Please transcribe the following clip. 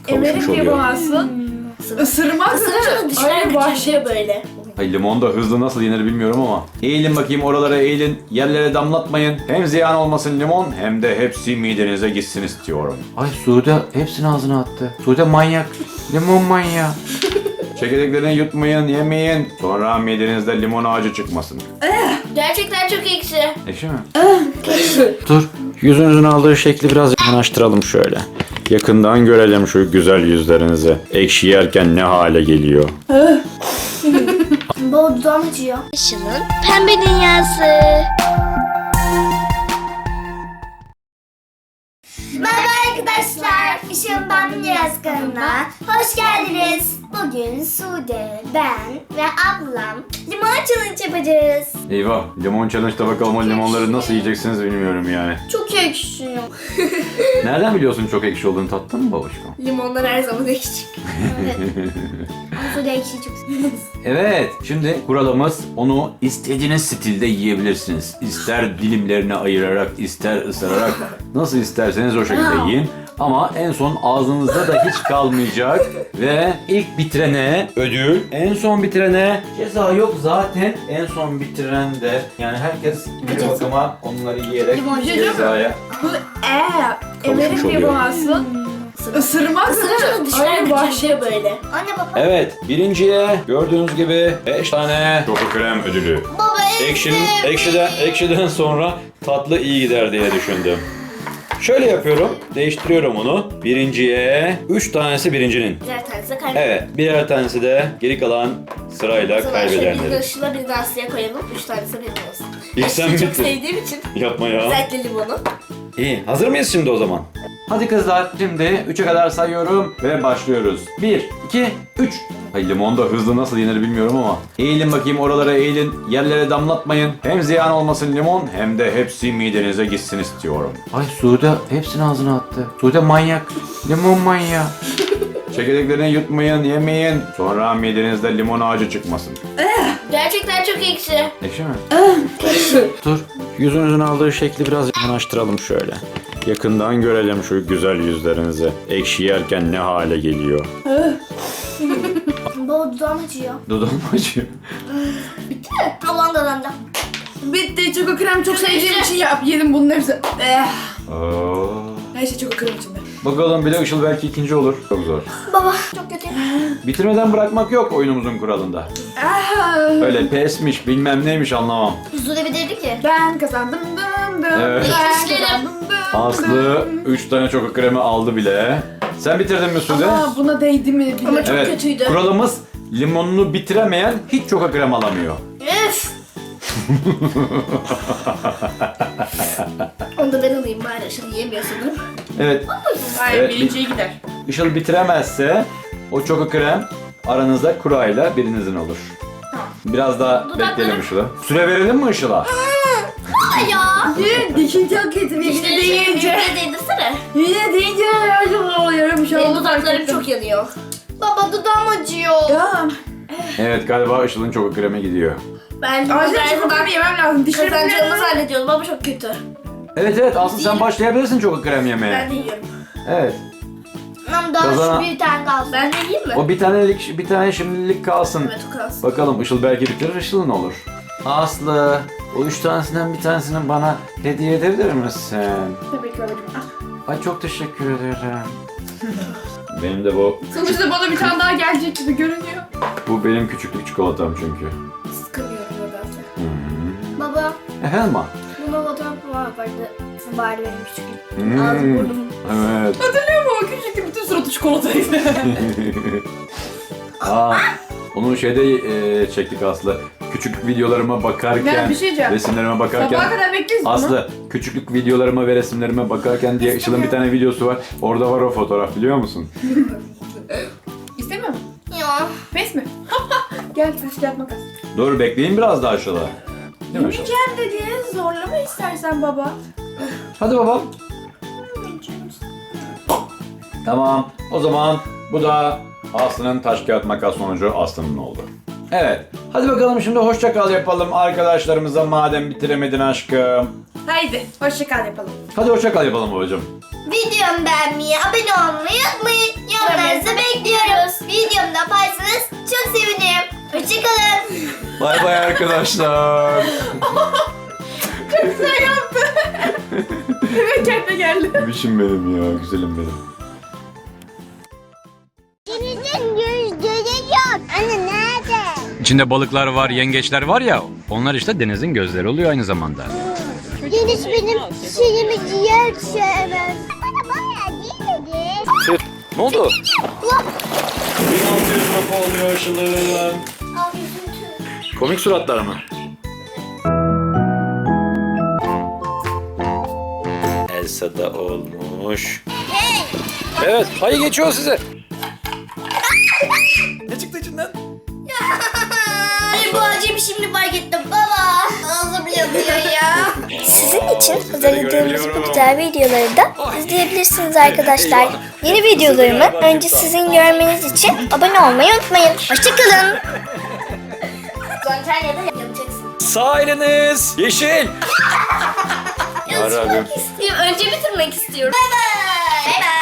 kavuşmuş oluyor. yapamazsın. Isırmaz da öyle vahşi böyle. Ay, limon da hızlı nasıl yenir bilmiyorum ama. Eğilin bakayım, oralara eğilin. Yerlere damlatmayın. Hem ziyan olmasın limon, hem de hepsi midenize gitsin istiyorum. Ay, Sude hepsini ağzına attı. Sude manyak. Limon manyağı. Çekirdeklerini yutmayın, yemeyin. Sonra midenizde limon ağacı çıkmasın. Gerçekten çok ekşi. Ekşi mi? Dur. Yüzünüzün aldığı şekli biraz yakınlaştıralım şöyle. Yakından görelim şu güzel yüzlerinizi. Ekşi yerken ne hale geliyor. Baba dudağım acıyor. Işıl'ın pembe dünyası. Merhaba arkadaşlar. Işıl'ın pembe dünyası kanalına hoş geldiniz. Bugün Sude, ben ve ablam limon challenge yapacağız. Eyvah, limon challenge'da bakalım o limonları nasıl yiyeceksiniz bilmiyorum yani. Çok ekşi. Nereden biliyorsun çok ekşi olduğunu, tattın mı babuşkom? Limonlar her zaman ekşi. Sude ekşi çok seviyoruz. Evet, şimdi kuralımız, onu istediğiniz stilde yiyebilirsiniz. İster dilimlerine ayırarak, ister ısırarak, nasıl isterseniz o şekilde yiyin. Ama en son ağzınızda da hiç kalmayacak ve ilk bitirene ödül, en son bitirene ceza yok zaten. En son bitiren de, yani herkes bir bakıma onları yiyerek cezaya Emerim kavuşmuş oluyor. yapamazsın. Isırmaz da öyle vahşi böyle. Anne baba. Evet, birinciye gördüğünüz gibi 5 tane Choco Krem ödülü. Baba Ekşiden sonra tatlı iyi gider diye düşündüm. Şöyle yapıyorum, değiştiriyorum onu. Birinciye 3 tanesi birincinin. Birer tanesi de kaybeder. Evet, birer tanesi de geri kalan sırayla Şöyle bir kaybedenlerin. Işıl'a bir de Aslı'ya koyalım. 3 tanesi benim olsun. İlk sen Işıl'ı çok bitir. sevdiğim için Yapma ya. özellikle limonu. İyi, hazır mıyız şimdi o zaman? Hadi kızlar, şimdi 3'e kadar sayıyorum ve başlıyoruz. 1, 2, 3. Ay, limon da hızlı nasıl yenir bilmiyorum ama. Eğilin bakayım, oralara eğilin. Yerlere damlatmayın. Hem ziyan olmasın limon, hem de hepsi midenize gitsin istiyorum. Ay, Sude hepsini ağzına attı. Sude manyak. Limon manyağı. Çekirdeklerini yutmayın, yemeyin. Sonra midenizde limon ağacı çıkmasın. Gerçekten çok ekşi. Ekşi mi? Dur. Yüzünüzün aldığı şekli biraz yakınlaştıralım şöyle. Yakından görelim şu güzel yüzlerinizi. Ekşi yerken ne hale geliyor. Baba dudağım acıyor. Dudağım acıyor. Allah'ım dadandı. Bitti. Çoko krem çok sevdiğim için yedim bunun hepsi. Aa. Her şey çoko krem içinde. Bakalım, bile Işıl belki ikinci olur. Çok zor. Baba çok kötü. Bitirmeden bırakmak yok oyunumuzun kuralında. Öyle pesmiş bilmem neymiş anlamam. Sude bir dedi ki. Ben kazandım. Dım dım. Evet. Ben kazandım. Dım Aslı 3 tane Choco Kremi aldı bile. Sen bitirdin mi Sude? Ama buna değdi mi bilmiyorum. Ama çok Evet. kötüydü. Kuralımız, limonunu bitiremeyen hiç Choco Krem alamıyor. Üf. Onu da ben alayım bari. Işıl yiyemiyor sanırım. Evet. Hayır, Evet, birinciye gider. Işıl bitiremezse o Choco Krem aranızda kurayla birinizin olur. Tamam. Biraz daha Dudaklarım- bekleyelim Işıl'a. Süre verelim mi Işıl'a? Ay ya. Dişin çok kötü. Dişleri deyince. değdirsene. Yine deyince acaba oluyor. Bir şey Benim oldu. dudaklarım çok yanıyor. Baba dudağım acıyor. Ya. Evet, galiba Işıl'ın Choco Kremi gidiyor. Ben Acil çoko kremi yemem lazım. Dişlerim kazanacağımı zannediyorum. Baba çok kötü. Evet, Aslı sen başlayabilirsin Choco Krem yemeye. Ben de yiyorum. Evet. Ama daha Kazanan- şu bir tane kalsın. Ben de yiyeyim mi? O bir tane şimdilik kalsın. Evet o kalsın. Bakalım Işıl belki bitirir, Işıl'ın olur. Aslı, o 3 tanesinden bir tanesini bana hediye edebilir misin? Tabii ki babacığım. Ay, çok teşekkür ederim. Benim de bu Sonuçta bana bir tane daha gelecek gibi görünüyor. benim küçüklük çikolatam çünkü. Sıkılıyorum nedense. Hmm. Baba Efendim ma? buna fotoğrafı var vardı. Bari benim küçüklüğüm. Ağzı Hmm. burnum. Evet. Hatırlıyor musun? O küçük bütün suratı çikolataydı. Aa, onu çektik Aslı. Küçüklük videolarıma bakarken, Ben bir şey diyeceğim. resimlerime Sabaha bakarken. kadar bekleriz bunu. Aslı, küçüklük videolarıma ve resimlerime bakarken diye Işıl'ın bir tane videosu var. Orada var o fotoğraf, biliyor musun? İstemiyor musun? Ya. Pes mi? Gel taş kağıt makas. Dur, bekleyin biraz daha Işıl'a. Değil mi Işıl? Yemeyeceğim dedi. Zorlama istersen baba. Hadi babam. Tamam. O zaman bu da Aslı'nın taş kağıt makas sonucu Aslı'nın oldu. Evet. Hadi bakalım şimdi hoşça kal yapalım arkadaşlarımıza madem bitiremedin aşkım. Haydi hoşça kal yapalım. Hadi hoşça kal yapalım babacığım. Videomu beğenmeyi, abone olmayı unutmayın. Yorumlara Bay bay arkadaşlar. Güzel yaptı. Hemen kendine geldi. Gülüşüm benim ya, güzelim benim. Denizin gözleri yok. Anne nerede? İçinde balıklar var, yengeçler var ya, onlar işte denizin gözleri oluyor aynı zamanda. Deniz benim şeyimi ciğer sevmez. Bana bayağı değil dedi. Ne oldu? 1600 lira oluyor Işıl'ın. Abi üzüntü. Komik suratlar mı? Elsa da olmuş. Hey. Evet, hayır geçiyor size. Ne çıktı içinden? Ay bu acemi şimdi fark ettim baba. Ağzım yanıyor ya. Sizin için hazırladığımız bu güzel videoları da izleyebilirsiniz arkadaşlar. Yeni videolarımı önce sizin görmeniz için abone olmayı unutmayın. Hoşçakalın. Antalya'da yapacaksın. Sağ eliniz yeşil. Yarabbim. İstiyorum. Önce bitirmek istiyorum. Bay bay. Bay bay.